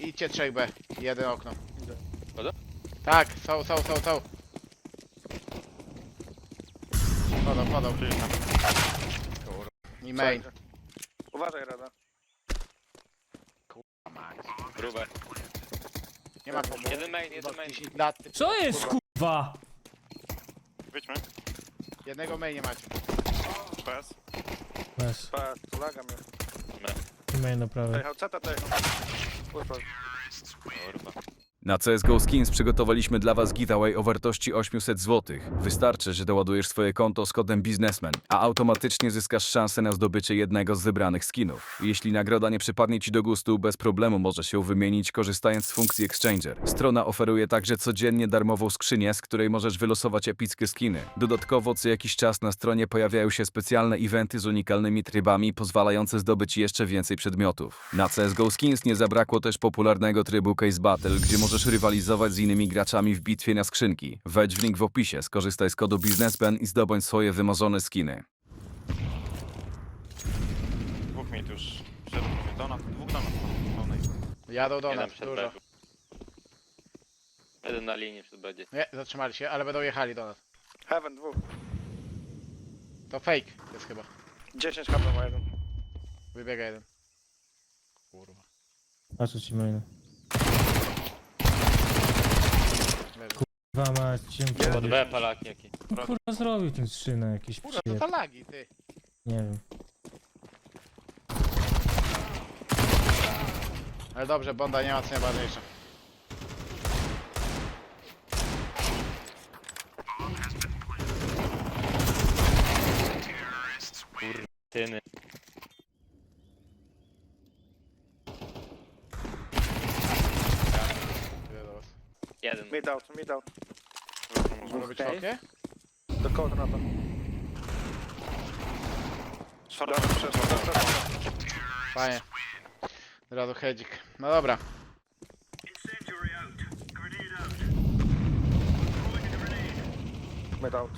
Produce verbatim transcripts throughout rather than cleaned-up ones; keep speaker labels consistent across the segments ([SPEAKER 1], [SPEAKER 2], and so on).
[SPEAKER 1] idźcie trzech B. Jeden okno.
[SPEAKER 2] Chodzą?
[SPEAKER 1] Tak, są, są, są, są. Podał, podał. Kurwa. I main.
[SPEAKER 3] Uważaj, Rada.
[SPEAKER 2] Grube.
[SPEAKER 1] Nie ma pomocy.
[SPEAKER 2] Jeden main, jeden main.
[SPEAKER 1] dziesięć lat.
[SPEAKER 4] Co jest kurwa?
[SPEAKER 5] Wyjdźmy.
[SPEAKER 1] Jednego main nie macie.
[SPEAKER 5] Bez.
[SPEAKER 4] Bez.
[SPEAKER 3] Pa, laga mnie.
[SPEAKER 4] Main do prawej.
[SPEAKER 3] Dojechał, ceta dojechał. Kurwa.
[SPEAKER 2] Kurwa.
[SPEAKER 6] Na C S G O Skins przygotowaliśmy dla Was giveaway o wartości osiemset złotych. Wystarczy, że doładujesz swoje konto z kodem biznesmen, a automatycznie zyskasz szansę na zdobycie jednego z wybranych skinów. Jeśli nagroda nie przypadnie Ci do gustu, bez problemu możesz ją wymienić korzystając z funkcji Exchanger. Strona oferuje także codziennie darmową skrzynię, z której możesz wylosować epickie skiny. Dodatkowo co jakiś czas na stronie pojawiają się specjalne eventy z unikalnymi trybami, pozwalające zdobyć jeszcze więcej przedmiotów. Na C S G O Skins nie zabrakło też popularnego trybu Case Battle, gdzie możesz Możesz rywalizować z innymi graczami w bitwie na skrzynki. Wejdź w link w opisie, skorzystaj z kodu biznesmen i zdobądź swoje wymarzone skiny.
[SPEAKER 5] Dwóch mit już. Przed donat. Dwóch donat. Pełnej.
[SPEAKER 1] Jadą do
[SPEAKER 2] Jeden
[SPEAKER 1] nas,
[SPEAKER 2] przed
[SPEAKER 1] dużo.
[SPEAKER 2] B. Jeden na linii przed będzie.
[SPEAKER 1] Nie, zatrzymali się, ale będą jechali do nas.
[SPEAKER 3] Heaven, dwóch.
[SPEAKER 1] To fake jest chyba.
[SPEAKER 3] dziesięć H P ma jeden.
[SPEAKER 1] Wybiega jeden. Kurwa.
[SPEAKER 4] Patrzę ci maina.
[SPEAKER 1] Leży.
[SPEAKER 4] Kurwa mać, dziękuję.
[SPEAKER 2] Pod B palaki jaki.
[SPEAKER 4] No, kurwa zrobił ten szynę jakiś
[SPEAKER 1] Kurwa, to
[SPEAKER 4] przyjeb.
[SPEAKER 1] to lagi, ty.
[SPEAKER 4] Nie wiem.
[SPEAKER 1] Ale dobrze, Bonda nie ma co najważniejsze.
[SPEAKER 2] Tyny.
[SPEAKER 1] Idę do was.
[SPEAKER 2] Jeden.
[SPEAKER 3] Mid out, mid out.
[SPEAKER 1] Może być fokie?
[SPEAKER 3] Do koordynata.
[SPEAKER 5] Short.
[SPEAKER 3] Dobra, przeszło, dobra, przeszło.
[SPEAKER 1] Fajnie. Rado hedzik. No dobra.
[SPEAKER 3] Mid out.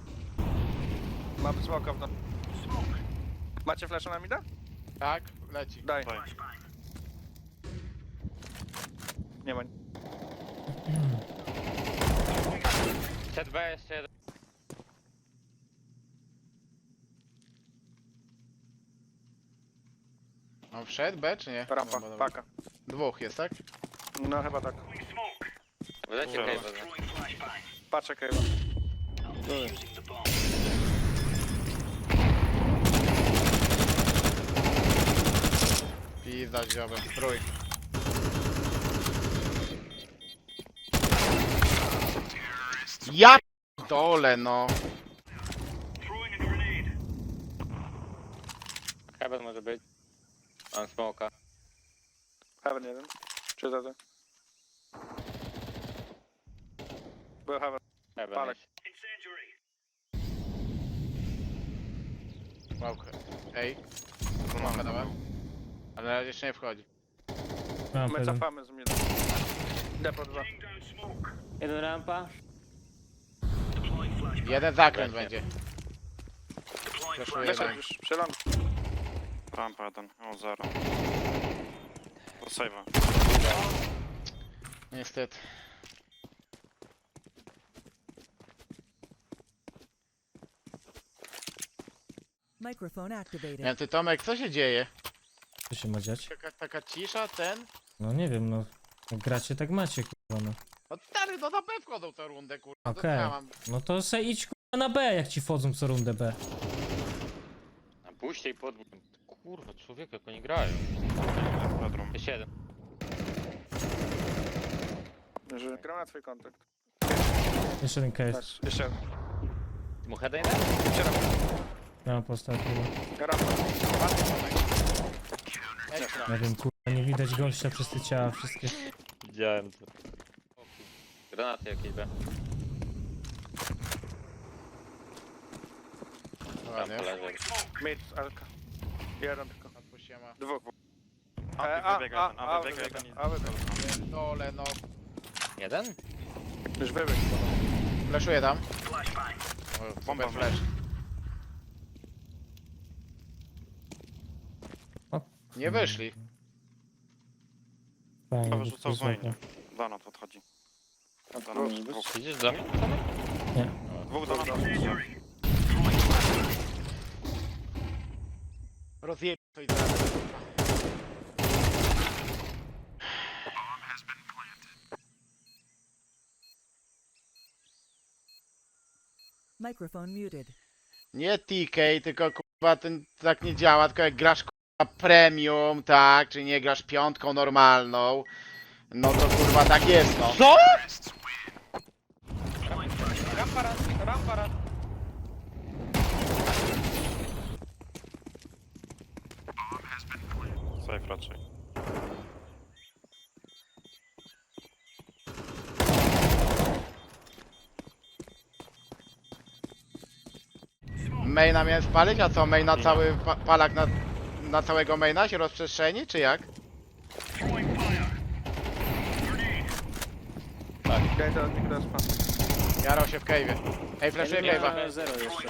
[SPEAKER 3] Mamy smoka w dół. Macie flasha na mida?
[SPEAKER 1] Tak, leci.
[SPEAKER 3] Daj.
[SPEAKER 5] Daj.
[SPEAKER 3] Nie ma.
[SPEAKER 2] Przed B jeszcze jeden.
[SPEAKER 1] On wszedł B czy nie?
[SPEAKER 3] Rampa,
[SPEAKER 1] No, dobra.
[SPEAKER 3] paka.
[SPEAKER 1] Dwóch jest, tak?
[SPEAKER 3] No chyba tak.
[SPEAKER 2] Wylecie
[SPEAKER 5] Dobra.
[SPEAKER 2] Cave'a.
[SPEAKER 3] Patrzę Kejwa.
[SPEAKER 1] Pizda dziobem. Trój. Ja dole no.
[SPEAKER 2] Heaven może być. Mam smoka.
[SPEAKER 3] Heaven jeden. Czy za to? Był Heaven.
[SPEAKER 2] Heaven
[SPEAKER 3] Palek.
[SPEAKER 2] jeszcze.
[SPEAKER 1] Łałkę. Ej. Mamy dawaj. Ale na razie jeszcze nie wchodzi.
[SPEAKER 4] Mam
[SPEAKER 3] My
[SPEAKER 4] jeden.
[SPEAKER 3] cofamy z mida. Depo dwa.
[SPEAKER 7] Jeden rampa.
[SPEAKER 1] Jeden zakręt
[SPEAKER 2] Właśnie.
[SPEAKER 1] będzie. Przeszuję
[SPEAKER 3] Wyszedł
[SPEAKER 1] jeden.
[SPEAKER 3] już. Przeląd.
[SPEAKER 5] Rampa jeden. O zero. Do save'a.
[SPEAKER 1] Niestety.
[SPEAKER 8] Microphone activated.
[SPEAKER 1] Ja, ty Tomek, co się dzieje?
[SPEAKER 4] Co się ma dziać?
[SPEAKER 1] Taka, taka cisza, ten?
[SPEAKER 4] No nie wiem, no. Jak gracie, tak macie, kurwa, no.
[SPEAKER 1] No stary, no na B wchodzą tę rundę, kurwa. to
[SPEAKER 4] Okej.
[SPEAKER 1] ja mam-
[SPEAKER 4] No to se idź, kurwa, na B, jak ci wchodzą co rundę B.
[SPEAKER 2] Na puście i pod... Kurwa, człowiek jak oni grają.
[SPEAKER 5] Bedroom.
[SPEAKER 2] Jeszcze jeden.
[SPEAKER 3] Że gram na twój kontakt.
[SPEAKER 4] Jeszcze jeden case.
[SPEAKER 3] Nice. Jeszcze jeden.
[SPEAKER 2] Mu heada jeden?
[SPEAKER 3] Jeszcze raz.
[SPEAKER 4] Ja mam postać, kurwa.
[SPEAKER 3] Rampa.
[SPEAKER 1] Ekstra.
[SPEAKER 4] Nie wiem, kurwa, nie widać gościa przez te ciała wszystkie.
[SPEAKER 2] Widziałem to. Granaty jakieś B. Tam
[SPEAKER 1] Ładnie.
[SPEAKER 2] poleży.
[SPEAKER 3] Mid, Alka. Jeden tylko.
[SPEAKER 1] Odpuściłem, a.
[SPEAKER 3] Dwóch.
[SPEAKER 5] A,
[SPEAKER 3] E, a,
[SPEAKER 5] wybiega
[SPEAKER 3] a,
[SPEAKER 5] jeden.
[SPEAKER 3] a,
[SPEAKER 5] A, wybiega
[SPEAKER 3] wybiega.
[SPEAKER 5] jeden.
[SPEAKER 3] A, wybiega.
[SPEAKER 1] Dole, no.
[SPEAKER 2] Jeden?
[SPEAKER 3] Już wybiegł.
[SPEAKER 1] Flashuję tam. O,
[SPEAKER 5] Bomba
[SPEAKER 1] super flash.
[SPEAKER 4] O.
[SPEAKER 1] Nie wyszli.
[SPEAKER 4] Fajnie,
[SPEAKER 5] Prawo rzucał w
[SPEAKER 4] wysoko.
[SPEAKER 5] mainie. Donat odchodzi. Donat, dwóch.
[SPEAKER 2] Idziesz do mnie?
[SPEAKER 5] Dwóch donat.
[SPEAKER 1] Rozjeb to i teraz.
[SPEAKER 8] Microphone muted.
[SPEAKER 1] Nie T K, tylko kurwa ten tak nie działa, tylko jak grasz kurwa premium, tak, czy nie grasz piątką normalną, no to kurwa tak jest no.
[SPEAKER 2] Co?
[SPEAKER 3] Rampa raz, rampa raz.
[SPEAKER 5] Safe raczej.
[SPEAKER 1] Maina miałem spalić, a co, main na cały pa palak na, na całego maina się rozprzestrzeni, czy jak?
[SPEAKER 3] Ja idę od nich do spa.
[SPEAKER 1] Jarał się w cave'ie. Ej, flashuję
[SPEAKER 7] Jeden
[SPEAKER 1] cave'a.
[SPEAKER 7] miał zero jeszcze.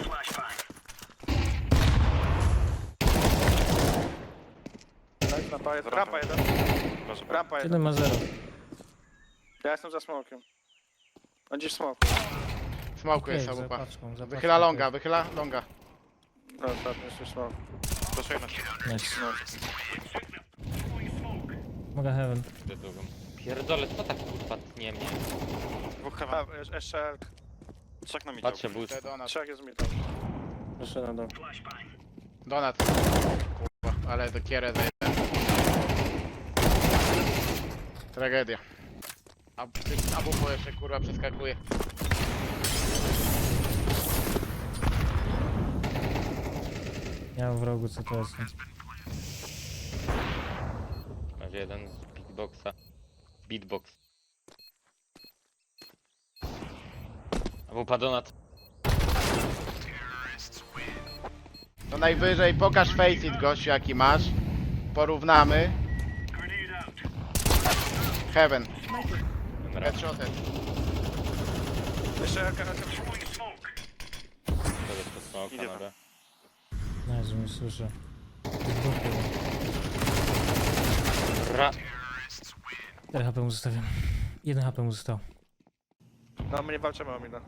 [SPEAKER 3] Daj rampa jeden. Rampa jeden.
[SPEAKER 5] Proszę.
[SPEAKER 3] Rampa jeden.
[SPEAKER 4] Jeden ma zero.
[SPEAKER 3] Ja jestem za smokiem. On gdzieś smok.
[SPEAKER 1] Smoku jest
[SPEAKER 4] Okej, za
[SPEAKER 1] sabupa.
[SPEAKER 4] paczką, za
[SPEAKER 1] Wychyla
[SPEAKER 4] paczką,
[SPEAKER 1] longa, wychyla longa.
[SPEAKER 3] No ostatnio jeszcze smok.
[SPEAKER 5] Proszę na siebie.
[SPEAKER 4] Nice.
[SPEAKER 3] No.
[SPEAKER 4] Mogę heaven.
[SPEAKER 2] Idę drugą. Pierdolę, co tak kurwa tnie mnie?
[SPEAKER 5] Dwóch
[SPEAKER 3] A,
[SPEAKER 5] heaven.
[SPEAKER 3] jeszcze- jeszcze Elk.
[SPEAKER 5] Trzech na midzie.
[SPEAKER 2] Patrzę boost.
[SPEAKER 1] Te Donat.
[SPEAKER 3] Trzech jest mi tam.
[SPEAKER 7] Proszę na dół.
[SPEAKER 1] Donat. Kurwa, ale do kierę zajdę. Tragedia. A ty sabupo jeszcze kurwa przeskakuje.
[SPEAKER 4] Ja mam w rogu co to jest.
[SPEAKER 2] Masz jeden z beatboxa. Beatbox. Albo padonat.
[SPEAKER 1] To najwyżej pokaż faceit gościu jaki masz. Porównamy. Heaven. Headshotet.
[SPEAKER 3] Jeszcze Elka na tym.
[SPEAKER 2] To jest to smoka
[SPEAKER 5] Idzie
[SPEAKER 2] na
[SPEAKER 5] tam.
[SPEAKER 2] B.
[SPEAKER 4] Nie, że mnie słyszę.
[SPEAKER 2] Ra...
[SPEAKER 4] cztery H P mu zostawiam. jeden H P mu został.
[SPEAKER 3] No my nie walczymy o minę.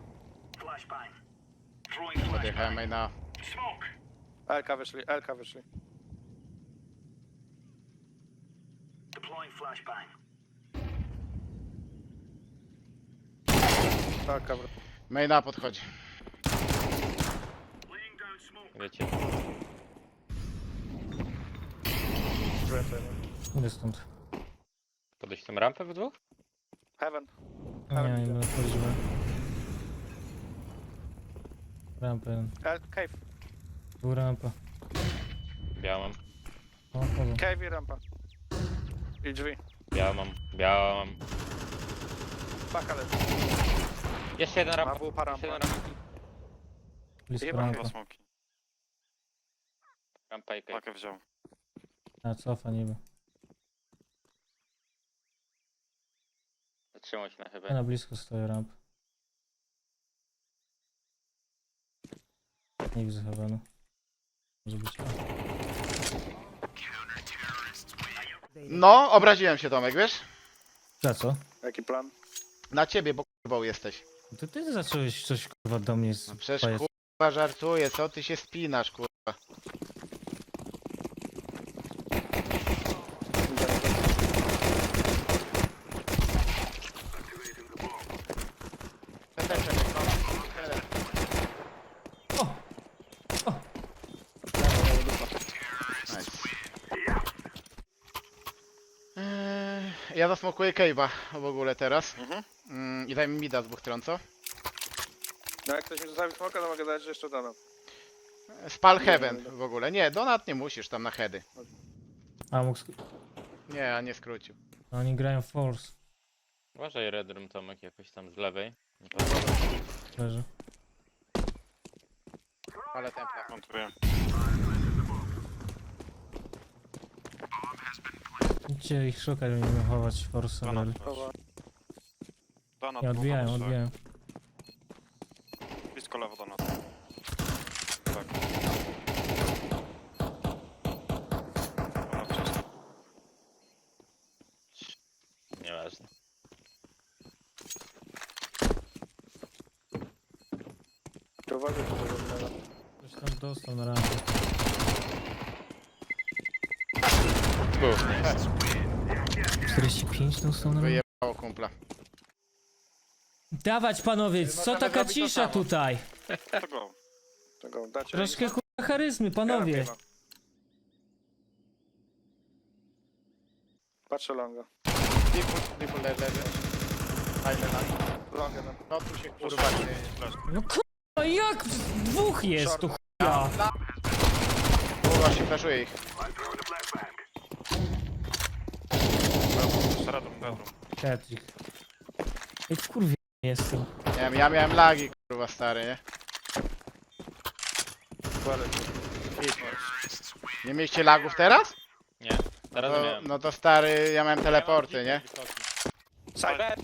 [SPEAKER 1] Podjechałem na...
[SPEAKER 3] Elka wyszli, Elka wyszli. Tak, kabra.
[SPEAKER 1] Maina podchodzi.
[SPEAKER 2] Wiecie.
[SPEAKER 3] Więcej.
[SPEAKER 4] Idę stąd.
[SPEAKER 2] Podejść tą rampę w dwóch?
[SPEAKER 3] Heaven.
[SPEAKER 4] Nie, nie będę wchodził. Rampa jeden.
[SPEAKER 3] El, cave.
[SPEAKER 4] Tu rampa.
[SPEAKER 2] Białą mam.
[SPEAKER 4] O, chodzą.
[SPEAKER 3] Cave i rampa. I drzwi.
[SPEAKER 2] Białą mam. Białą mam.
[SPEAKER 3] Paka leży.
[SPEAKER 2] Jeszcze jeden rampa.
[SPEAKER 3] Ma wupa
[SPEAKER 2] Jeszcze
[SPEAKER 3] rampa.
[SPEAKER 2] jeden rampa.
[SPEAKER 4] Blisko
[SPEAKER 3] Jeba,
[SPEAKER 4] rampa.
[SPEAKER 5] Dwa smoki.
[SPEAKER 2] Rampa i cave.
[SPEAKER 5] Pakę wziął.
[SPEAKER 4] A, cofa niby.
[SPEAKER 2] Zatrzymał się na
[SPEAKER 4] Ja
[SPEAKER 2] chyba.
[SPEAKER 4] na blisko stoję ramp. Nie widzę heavenu. Może być.
[SPEAKER 1] No, obraziłem się Tomek, wiesz?
[SPEAKER 4] Za co?
[SPEAKER 3] Jaki plan?
[SPEAKER 1] Na ciebie, bo kurwą jesteś.
[SPEAKER 4] To ty zacząłeś coś kurwa do mnie z
[SPEAKER 1] No przecież
[SPEAKER 4] pajac-
[SPEAKER 1] kurwa żartuję, co ty się spinasz kurwa. Ten też przebiegł, no. Jeden. Nice. Eee, Ja zasmokuję Cave'a w ogóle teraz.
[SPEAKER 5] Mhm.
[SPEAKER 1] Mm, I daj mi mida z dwóch stron, co?
[SPEAKER 3] No jak ktoś mi zostawi smoka, to mogę dać, że jeszcze dano.
[SPEAKER 1] Spal Heaven w ogóle. Nie, Donat nie musisz tam na heady.
[SPEAKER 4] A mógł. sk-
[SPEAKER 1] Nie, a nie skrócił.
[SPEAKER 4] Oni grają force.
[SPEAKER 2] Uważaj Red Room Tomek jakoś tam z lewej.
[SPEAKER 4] Leży.
[SPEAKER 1] Ale templa.
[SPEAKER 5] Montuję.
[SPEAKER 4] Idźcie ich szukać, będziemy chować force.
[SPEAKER 5] Donat.
[SPEAKER 4] Donat.
[SPEAKER 3] Chowa.
[SPEAKER 5] Donat.
[SPEAKER 4] Nie
[SPEAKER 5] dwóch
[SPEAKER 4] odbijają,
[SPEAKER 5] albo trzech.
[SPEAKER 4] odbijają.
[SPEAKER 5] Blisko lewo donat. Tak. Donat czysto.
[SPEAKER 2] Nieważne.
[SPEAKER 3] To uważaj, to tego zmiana.
[SPEAKER 4] Ktoś tam dostał na rampę. czterdzieści pięć dostał na rampę.
[SPEAKER 1] Wyjebało kumpla.
[SPEAKER 4] Dawać panowie, co
[SPEAKER 1] możemy
[SPEAKER 4] taka
[SPEAKER 1] zrobić to
[SPEAKER 4] cisza
[SPEAKER 1] samo.
[SPEAKER 4] tutaj?
[SPEAKER 5] To go.
[SPEAKER 3] Tego dacie.
[SPEAKER 4] Troszkę kurwa charyzmy, panowie.
[SPEAKER 3] Kara Patrzę longa.
[SPEAKER 1] Triple, triple leży, leży. Fajne na
[SPEAKER 3] Longa tam.
[SPEAKER 1] no tu się kurwa dzieje.
[SPEAKER 4] No kurwa, jak dwóch jest tu chuja?
[SPEAKER 1] Kurwa się flaszuję ich.
[SPEAKER 5] Shadow, bedroom.
[SPEAKER 4] Patrick. Ej, kurwa jestem.
[SPEAKER 1] Nie wiem, ja miałem lagi kurwa stary, nie? Hit. Nie mieliście lagów teraz?
[SPEAKER 2] Nie, teraz
[SPEAKER 1] To,
[SPEAKER 2] miałem.
[SPEAKER 1] no to stary, ja miałem teleporty, nie?
[SPEAKER 2] Side.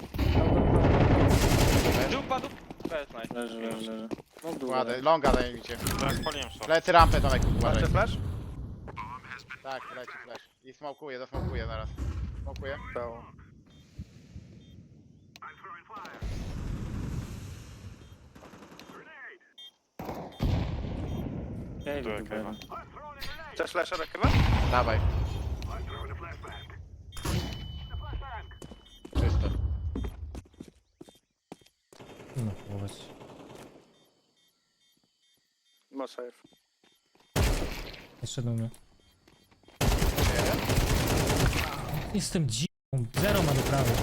[SPEAKER 2] Dupa, dupa. Bez, nice.
[SPEAKER 7] Leży, leży, leży. No długo.
[SPEAKER 1] Ładę, longa zajmijcie.
[SPEAKER 5] Tak, spaliłem short.
[SPEAKER 1] Lecę rampę Tomek, uważaj.
[SPEAKER 3] Macie flash?
[SPEAKER 1] Tak, leci flash. I smokuję, dosmokuję zaraz. Smokuję.
[SPEAKER 3] Dało.
[SPEAKER 7] Ej,
[SPEAKER 5] Tu jak
[SPEAKER 7] dobra.
[SPEAKER 5] chyba.
[SPEAKER 3] Chcesz flasha do chyba?
[SPEAKER 1] Dawaj. Czysto.
[SPEAKER 4] No połować.
[SPEAKER 3] No safe.
[SPEAKER 4] Jeszcze do mnie. Jestem dziką. Zero ma do prawej.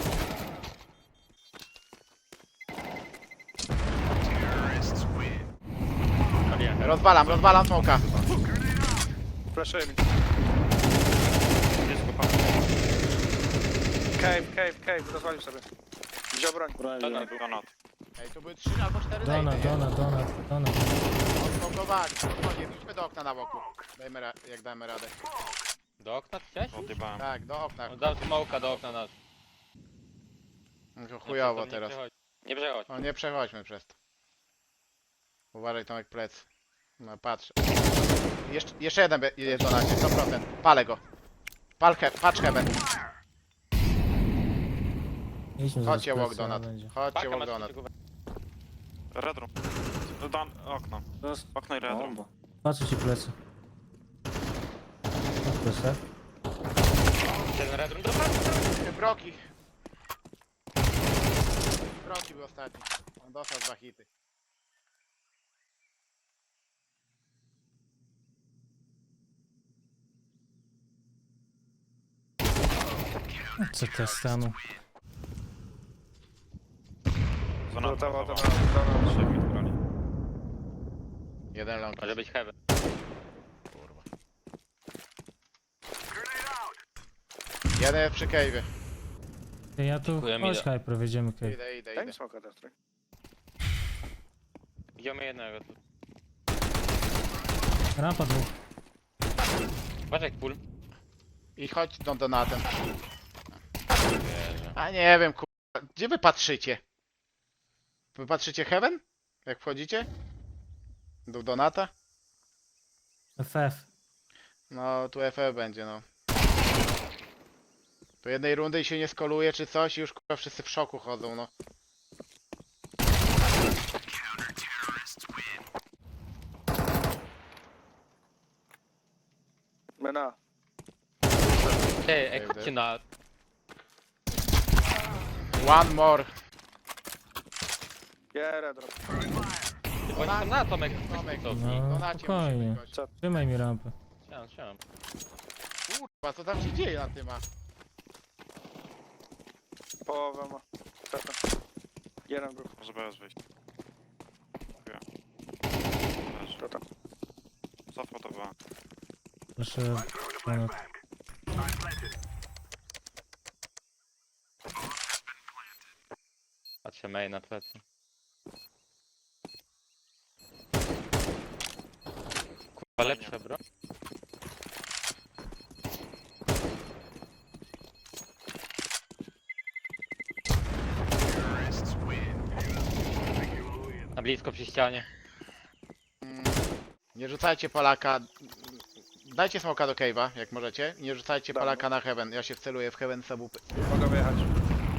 [SPEAKER 1] Rozwalam, rozwalam smoka.
[SPEAKER 3] Flashuję mi.
[SPEAKER 5] Jest go pan.
[SPEAKER 3] Cave, cave, cave. Rozwalił sobie. Wziął broń.
[SPEAKER 7] Brali.
[SPEAKER 2] Donat.
[SPEAKER 5] Donat.
[SPEAKER 1] Ej, tu były trzy albo cztery
[SPEAKER 4] Dona,
[SPEAKER 1] lejny, nie?
[SPEAKER 4] dona, dona, dona.
[SPEAKER 1] Odblokowali, spokojnie, wróćmy do okna na boku. Dajmy ra jak damy radę.
[SPEAKER 2] Do okna chciałeś?
[SPEAKER 5] Odjebałem.
[SPEAKER 1] Tak, do okna.
[SPEAKER 2] No, dał smoka do okna nas.
[SPEAKER 1] No to chujowo
[SPEAKER 2] Nie
[SPEAKER 1] teraz.
[SPEAKER 2] przechodź. Nie przechodź.
[SPEAKER 1] No nie przechodźmy przez to. Uważaj Tomek plec. No patrz. Jeszcze, jeszcze jeden be- jest do nas, sto procent. Palę go. Pal he patrz heaven.
[SPEAKER 4] Idźmy
[SPEAKER 1] Chodźcie
[SPEAKER 4] zaraz
[SPEAKER 1] walk
[SPEAKER 4] plecy,
[SPEAKER 1] donat.
[SPEAKER 4] ale będzie.
[SPEAKER 1] Chodźcie
[SPEAKER 2] Paka
[SPEAKER 1] walk
[SPEAKER 2] masz
[SPEAKER 1] donat.
[SPEAKER 2] takiego-
[SPEAKER 5] Red room. Don, okno.
[SPEAKER 7] Dost-
[SPEAKER 5] Okno i red room.
[SPEAKER 7] Bomba.
[SPEAKER 4] Patrzę ci plecy. No proszę.
[SPEAKER 2] Ten red room dropa?
[SPEAKER 1] Broki. Broki był ostatni. On dostał dwa hity.
[SPEAKER 4] Co to stanu?
[SPEAKER 5] Zona.
[SPEAKER 3] Gotowa,
[SPEAKER 5] Zona.
[SPEAKER 3] gotowa, gotowa.
[SPEAKER 5] Trzech mid broni.
[SPEAKER 1] Jeden long.
[SPEAKER 2] Może być heaven.
[SPEAKER 1] Kurwa. Jeden jest przy cave'ie.
[SPEAKER 4] Ty, ja tu...
[SPEAKER 2] Dziękuję,
[SPEAKER 4] Chodź
[SPEAKER 2] Mida.
[SPEAKER 4] hyper, wejdziemy cave.
[SPEAKER 1] Idę, idę,
[SPEAKER 3] Daj mi
[SPEAKER 1] idę.
[SPEAKER 3] smoka teraz, tak?
[SPEAKER 2] Idziemy jednego tu.
[SPEAKER 4] Rampa dwóch.
[SPEAKER 2] Uważaj, pull.
[SPEAKER 1] I chodź do donatem.
[SPEAKER 2] Wierzę.
[SPEAKER 1] A nie wiem, kurwa. Gdzie wy patrzycie? Wy patrzycie heaven? Jak wchodzicie? Do donata?
[SPEAKER 4] F F.
[SPEAKER 1] No, tu F F będzie, no. Po jednej rundy i się nie skoluje czy coś i już kurwa wszyscy w szoku chodzą, no.
[SPEAKER 3] Mena.
[SPEAKER 2] Ej, ej, chodźcie na...
[SPEAKER 1] One more.
[SPEAKER 3] Yeah, red drop.
[SPEAKER 2] Oni tam na Tomek.
[SPEAKER 1] Tomek,
[SPEAKER 2] Co?
[SPEAKER 4] No,
[SPEAKER 1] donacie
[SPEAKER 4] spokojnie.
[SPEAKER 1] musimy gość.
[SPEAKER 3] Co?
[SPEAKER 4] Trzymaj mi rampę.
[SPEAKER 2] Chciałem, chciałem.
[SPEAKER 1] Kurwa, co tam się dzieje na tym, a?
[SPEAKER 3] Połowę ma. Tata. Jeden był.
[SPEAKER 5] Może bez wyjść. Dziękuję. Leży.
[SPEAKER 3] Tata.
[SPEAKER 5] Cofło to była.
[SPEAKER 4] Proszę. Donat.
[SPEAKER 2] Patrzę main na plecy. Kurwa, lepsze, bro. Na blisko przy ścianie.
[SPEAKER 1] Mm, Nie rzucajcie Polaka. Dajcie smoka do cave'a, jak możecie. Nie rzucajcie
[SPEAKER 3] Dobra.
[SPEAKER 1] Polaka na heaven. Ja się wceluję w heaven subupy.
[SPEAKER 3] Mogę wyjechać.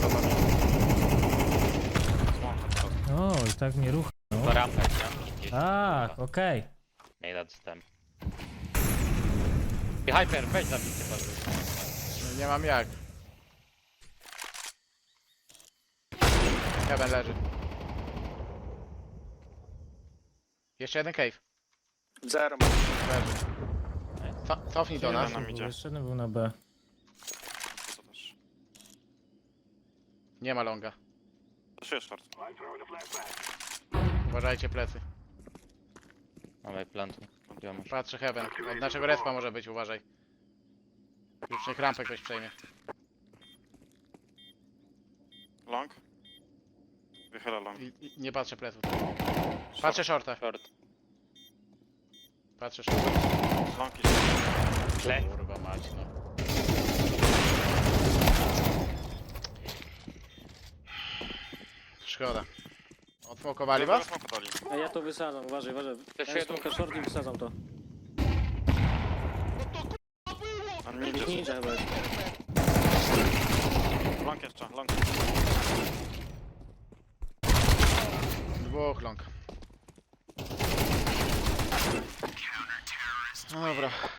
[SPEAKER 4] O, i tak mnie rucha.
[SPEAKER 2] To rampę, nie?
[SPEAKER 4] Tak, okej.
[SPEAKER 2] Nie da dostęp. I Hyper, weź zabijcie bardzo.
[SPEAKER 1] No nie mam jak. Heaven leży. Jeszcze jeden cave.
[SPEAKER 3] Zero.
[SPEAKER 1] Leży. Co, cofnij do nas.
[SPEAKER 5] Jeden nam idzie.
[SPEAKER 4] Jeszcze jeden był na B.
[SPEAKER 5] Co też.
[SPEAKER 1] Nie ma longa.
[SPEAKER 5] Zaszyję short.
[SPEAKER 1] Uważajcie plecy.
[SPEAKER 2] Mamy plantu. Gdzie masz?
[SPEAKER 1] Patrzę heaven. Od naszego respa może być, uważaj. Już niech rampę ktoś przejmie.
[SPEAKER 5] Long. Wychyla long.
[SPEAKER 1] I, i nie patrzę pleców. Patrzę shorta.
[SPEAKER 2] Short.
[SPEAKER 1] Patrzę shorta.
[SPEAKER 5] Long i
[SPEAKER 2] Tle.
[SPEAKER 1] Kurwa mać, no. Szkoda. Odfokowali was?
[SPEAKER 5] Smoka dali.
[SPEAKER 7] A ja to wysadzam, uważaj, uważaj.
[SPEAKER 2] To
[SPEAKER 7] Ja
[SPEAKER 2] się
[SPEAKER 7] smoka short i wysadzam to.
[SPEAKER 5] A nie idzie.
[SPEAKER 7] Ninja chyba jest.
[SPEAKER 5] Long jeszcze, long.
[SPEAKER 1] Dwóch long. No dobra.